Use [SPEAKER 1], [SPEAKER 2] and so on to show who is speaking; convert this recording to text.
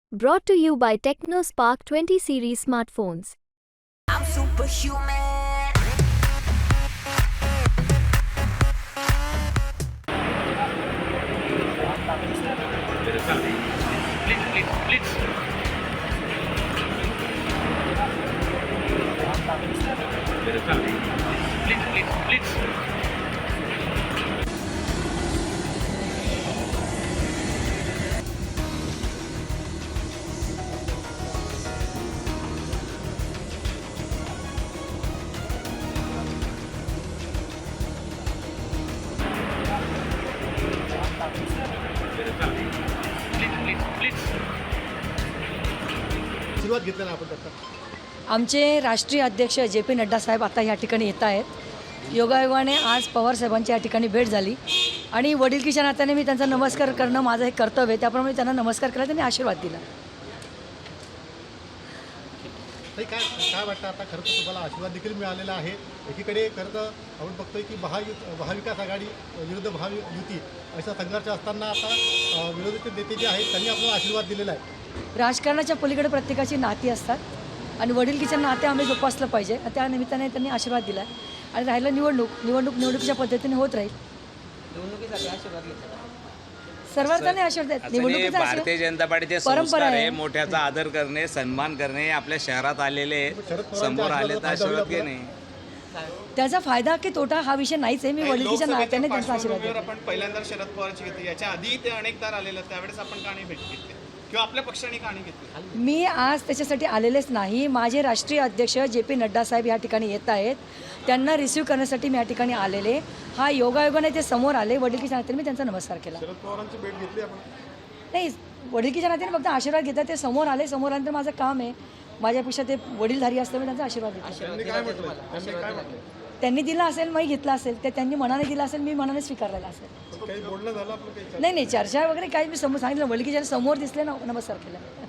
[SPEAKER 1] Brought to you by TechnoSpark 20 series smartphones.
[SPEAKER 2] I'm superhuman.
[SPEAKER 3] सुरुवात घेतली ना आपण त्याचा.
[SPEAKER 4] आमचे राष्ट्रीय अध्यक्ष जे.पी. नड्डा साहेब आता या ठिकाणी येत आहेत. योगायोगाने आज पवार साहेबांची या ठिकाणी भेट झाली आणि वडीलकीच्या नात्याने मी त्यांचा नमस्कार करणं माझं एक कर्तव्य आहे. त्याप्रमाणे त्यांना नमस्कार केला, त्यांनी आशीर्वाद दिला.
[SPEAKER 3] ताई, काय वाटतं आता खरं तर तुम्हाला आशीर्वाद देखील मिळालेला आहे. एकीकडे खरं तर आपण बघतोय की महाविकास आघाडी विरुद्ध महायुती अशा संघर्ष असताना आता विरोधी नेते जे आहेत त्यांनी आपल्याला आशीर्वाद दिलेला आहे.
[SPEAKER 4] राजकारणाच्या पलीकडे प्रत्येकाची नाती असतात आणि वडीलकीच्या नाते आम्ही जोपासलं पाहिजे. त्या निमित्ताने त्यांनी आशीर्वाद दिला आणि राहिलं निवडणुकीच्या पद्धतीने होत राहील. सर्वांनी आशीर्वाद देत. निवडणुकीचा
[SPEAKER 5] भारतीय जनता पार्टीचे
[SPEAKER 4] परंपरा आहे.
[SPEAKER 5] मोठ्याचा आदर करणे, सन्मान करणे, आपल्या शहरात आलेले समोर आले तर आशीर्वाद घेणे.
[SPEAKER 4] त्याचा फायदा की तोटा हा विषय नाहीच आहे. मी वडीलकीच्या नात्याने त्यांचा आशीर्वाद देते.
[SPEAKER 6] आपण पहिल्यांदा शरद पवारची घेतली, याच्या आधी ते अनेकदा आलेले, त्यावेळेस आपण का नाही भेट घेतली किंवा आपल्या पक्षाने का नाही घेतली?
[SPEAKER 4] मी आज त्याच्यासाठी आलेलेच नाही. माझे राष्ट्रीय अध्यक्ष जे.पी. नड्डा साहेब या ठिकाणी येत आहेत. त्यांना रिसीव्ह करण्यासाठी मी या ठिकाणी आलेले. हा योगायोगाने ते समोर आले. वडीलकीच्या नात्याने मी त्यांचा नमस्कार केला.
[SPEAKER 3] शरद पवारांची भेट घेतली आपण.
[SPEAKER 4] नाही, वडीलकीच्या नात्याने फक्त आशीर्वाद घेतात. ते समोर आले. समोर आल्यानंतर माझं काम आहे. माझ्यापेक्षा ते वडीलधारी असतं, मी त्यांचा आशीर्वाद घेतला.
[SPEAKER 3] त्यांनी काय म्हटलं?
[SPEAKER 4] त्यांनी दिला असेल, मी घेतला असेल. ते त्यांनी मनाने दिला असेल, मी मनाने स्वीकारलेला असेल.
[SPEAKER 3] काही बोलणं झालं आपलं काही?
[SPEAKER 4] नाही, चर्चा वगैरे काही मी समोर सांगितलं. वडीलकीच्या समोर दिसले ना, नमस्कार केला.